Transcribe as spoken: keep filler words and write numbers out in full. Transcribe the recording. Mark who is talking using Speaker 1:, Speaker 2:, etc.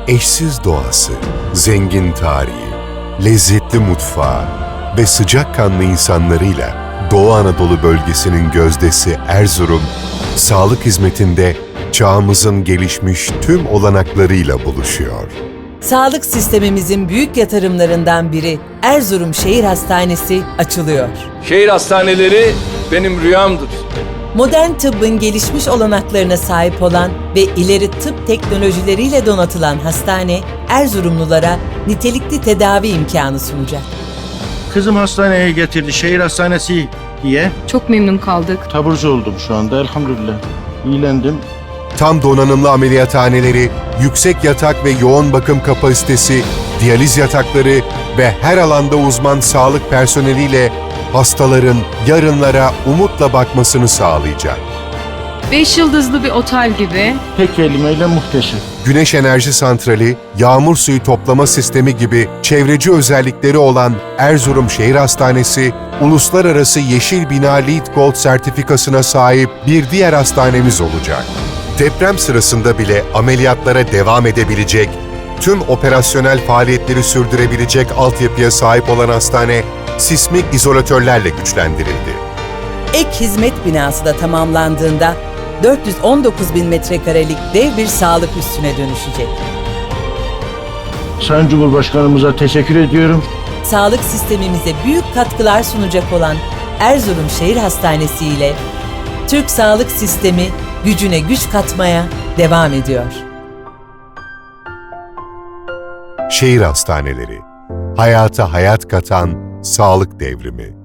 Speaker 1: Eşsiz doğası, zengin tarihi, lezzetli mutfağı ve sıcakkanlı insanlarıyla Doğu Anadolu bölgesinin gözdesi Erzurum, sağlık hizmetinde çağımızın gelişmiş tüm olanaklarıyla buluşuyor.
Speaker 2: Sağlık sistemimizin büyük yatırımlarından biri Erzurum Şehir Hastanesi açılıyor.
Speaker 3: Şehir hastaneleri benim rüyamdır.
Speaker 2: Modern tıbbın gelişmiş olanaklarına sahip olan ve ileri tıp teknolojileriyle donatılan hastane, Erzurumlulara nitelikli tedavi imkanı sunacak.
Speaker 4: Kızım hastaneye getirdi, şehir hastanesi diye.
Speaker 5: Çok memnun kaldık.
Speaker 4: Taburcu oldum şu anda, elhamdülillah. İyilendim.
Speaker 1: Tam donanımlı ameliyathaneleri, yüksek yatak ve yoğun bakım kapasitesi, diyaliz yatakları ve her alanda uzman sağlık personeliyle hastaların yarınlara umutla bakmasını sağlayacak.
Speaker 5: Beş yıldızlı bir otel gibi.
Speaker 4: Tek kelimeyle muhteşem.
Speaker 1: Güneş enerji santrali, yağmur suyu toplama sistemi gibi çevreci özellikleri olan Erzurum Şehir Hastanesi, uluslararası Yeşil Bina LEED Gold sertifikasına sahip bir diğer hastanemiz olacak. Deprem sırasında bile ameliyatlara devam edebilecek, tüm operasyonel faaliyetleri sürdürebilecek altyapıya sahip olan hastane, sismik izolatörlerle güçlendirildi.
Speaker 2: Ek hizmet binası da tamamlandığında dört yüz on dokuz bin metrekarelik dev bir sağlık üssüne dönüşecek.
Speaker 4: Sayın Cumhurbaşkanımıza teşekkür ediyorum.
Speaker 2: Sağlık sistemimize büyük katkılar sunacak olan Erzurum Şehir Hastanesi ile Türk sağlık sistemi gücüne güç katmaya devam ediyor.
Speaker 1: Şehir hastaneleri, hayata hayat katan sağlık devrimi.